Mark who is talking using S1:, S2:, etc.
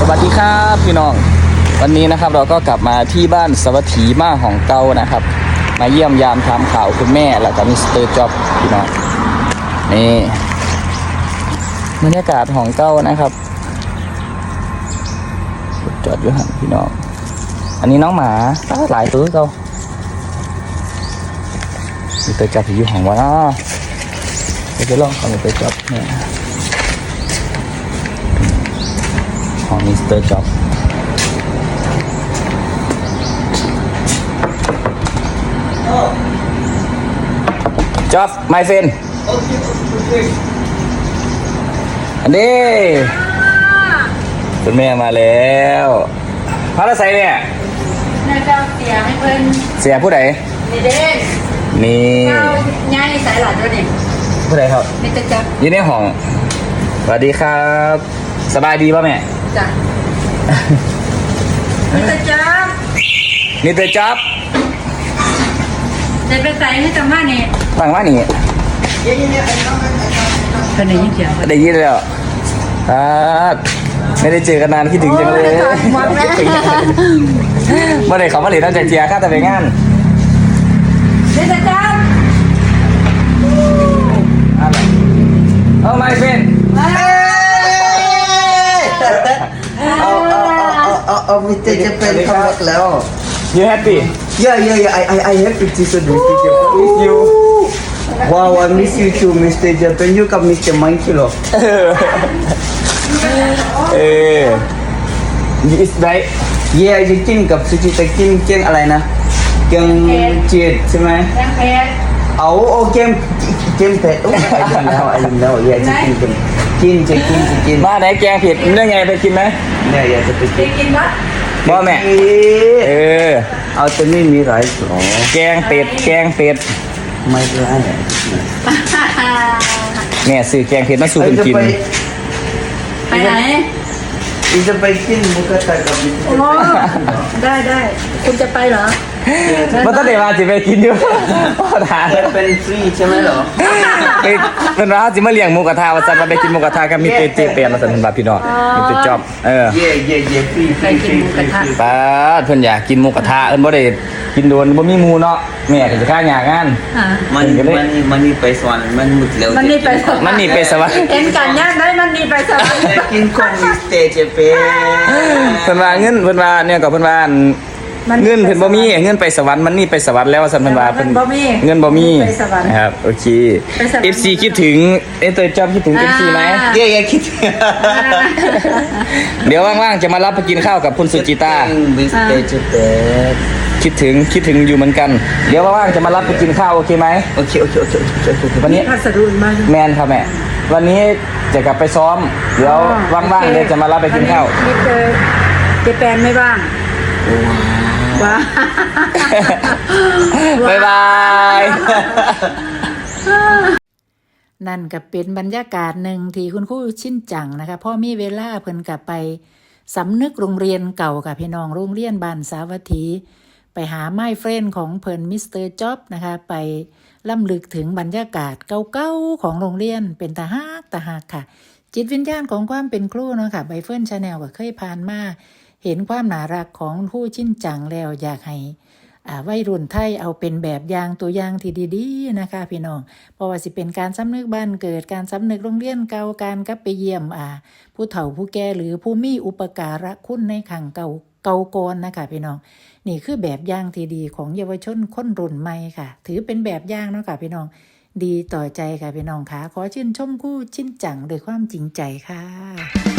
S1: วัสดีครับพี่น้องวันนี้นะครับเราก็กลับมาที่บ้านสวัสดีมาของเก่านะครับมาเยี่ยมยามถามข่าวคุณแม่แล้วก็มิสเตอร์จ็อบพี่น้องนี่บรรยากาศของเก่านะครับจอดอยู่หันพี่น้องอันนี้น้องหมาหลายตัวเก่ามิสเตอร์จ็อบอยู่ของวะเนาะจะลองของมิสเตอร์จ็อบเนี่ยของมิสเตอร์จ็อบจ็อบ my friend อันนี้คุณแม่มาแล้วพระละไซเนี่ย
S2: นายเจ้าเสียให้เพิ่น
S1: เสียผู้ใด
S2: นี่เด้
S1: นี่
S2: เจ้าง่ายสายหลัดด้วยนี่
S1: ผู้ใดครับ
S2: นี่จะจับ
S1: ยืนในห้องสวัสดีครับสบายดีป่ะแม่
S2: จ้ะนี่จะจับ
S1: นี่เตอจ็อบ
S2: เดี๋ยวไปใส่ให้จังว่านี่
S1: ฟังว่านี่
S2: เป็นไหนยิ่งเขียว
S1: ได้ยินแล้วไม่ได้เจอกันนานคิดถึงจังเลยเมื่อไหร่เขามาเรียนตั้งใจเจียข้าแต่ไปงาน
S2: นี่จะจับ
S1: เอาไม่เป็น
S3: เอามิสเตอร์จะเป็นคำรักแล้ว
S1: You happy?
S3: Yeah. I happy to see Mr. Japan with you. Wow, I miss you too, Mr. Japan. You กับ Mr. Monkey หรอ
S1: It's right.
S3: Yeah จะกินกับซูชิแต่กินอะไรนะเกมจีดใช่ไหม
S2: แกงเผ็ด
S3: เอาเกมเผ็ดไอ้แล้ว Yeah จะกิน
S1: บ้านไหนแกงผิดเรื่องไงไปกินไหม
S3: เนี่ยอยากจะไป
S2: กินวะ
S1: บ่แม่
S3: เอาแต่ไม่มีไรหรอ
S1: แกงเป็ด
S3: ไม่เป็นไร
S1: แม่ซื้อแกงเผ็ดมาสู่คนกิน
S2: ไปไหน
S3: จะไปกินหมูกระทะกับมิสเตอร์
S2: ได้คุณจะไปเหรอ
S1: มันต้องเดี๋ยวมาจิไปกินอยู่พ่อทาน
S3: เป็นฟรีใช่ไหมเหรอ
S1: เป็นร้านจิมาเลี้ยงหมูกระทะวันจันทร์มาไปกินหมูกระทะกับมีเตเปียนมาสั่นบาพี่น้องมีเตจ็อบ
S3: เย่ฟรี
S1: ป้าเพิ่นอยากกินหมูกระทะเอิ้นบ่ได้กินโดนบ่มีหมูเนาะแม่ก็จะฆ่าหยากงาน
S3: มันนี่ไปสวรรค์มันหมดแล้ว
S1: มันนี่ไปสวรรค์
S2: เห็นกันยากได้มันนี่ไปสวรรค์
S3: กินของมิสเตอร์เจเป้
S1: เพิ่นว่าเงินเพิ่นว่าเนี่ยก็เพิ่นว่าเงินเพิ่นบ่มีเงินไปสวรรค์มันนี่ไปสวรรค์แล้วว่าซั่นเพิ่นว่าเพิ่นเงินบ่มีครับโอเค FC คิดถึงเตยจอมคิดถึง FC มั้ย
S3: คิด
S1: เดี๋ยวว่างๆจะมารับไปกินข้าวกับคุณสุจิตา
S3: มิสเตอร์เจเป้
S1: คิดถึงอยู่เหมือนกันเดี๋ยวว่างๆจะมารับไปกินข้าวโอเคไหม
S3: โอเค
S1: วันนี้
S2: พัสดุมา
S1: แมนครับแม่วันนี้จะกลับไปซ้อมเดี๋ยวว่างๆเดี๋ยวจะมารับไปกินข้าว
S2: มิสเตอร์เจแปนไม่ว่างว้า
S1: บ๊ายบาย
S2: นั่นก็เป็นบรรยากาศหนึ่งที่คุณครูชินจังนะคะพ่อมีเวลาเพิ่นกลับไปสำนึกโรงเรียนเก่ากับพี่น้องโรงเรียนบ้านสาวัตถีไปหาไม้เฟรนของเพิ่นมิสเตอร์จ็อบนะคะไปล่ำลึกถึงบรรยากาศเก่าๆของโรงเรียนเป็นตาฮักค่ะจิตวิญญาณของความเป็นครูเนาะค่ะใบเฟิร์นชาแนลก็เคยผ่านมาเห็นความน่ารักของครูชินจังแล้วอยากให้วัยรุ่นไทยเอาเป็นแบบอย่างตัวอย่างที่ดีๆนะคะพี่น้องเพราะว่าสิเป็นการสำนึกบ้านเกิดการสำนึกโรงเรียนเก่าการกลับไปเยี่ยมผู้เฒ่าผู้แก่หรือผู้มีอุปการะคุณในขังเก่าก่อนนะคะพี่น้องนี่คือแบบอย่างที่ดีของเยาวชนคนรุ่นใหม่ค่ะถือเป็นแบบอย่างเนาะค่ะพี่น้องดีต่อใจค่ะพี่น้องค่ะขอชื่นชมครูชินจังด้วยความจริงใจค่ะ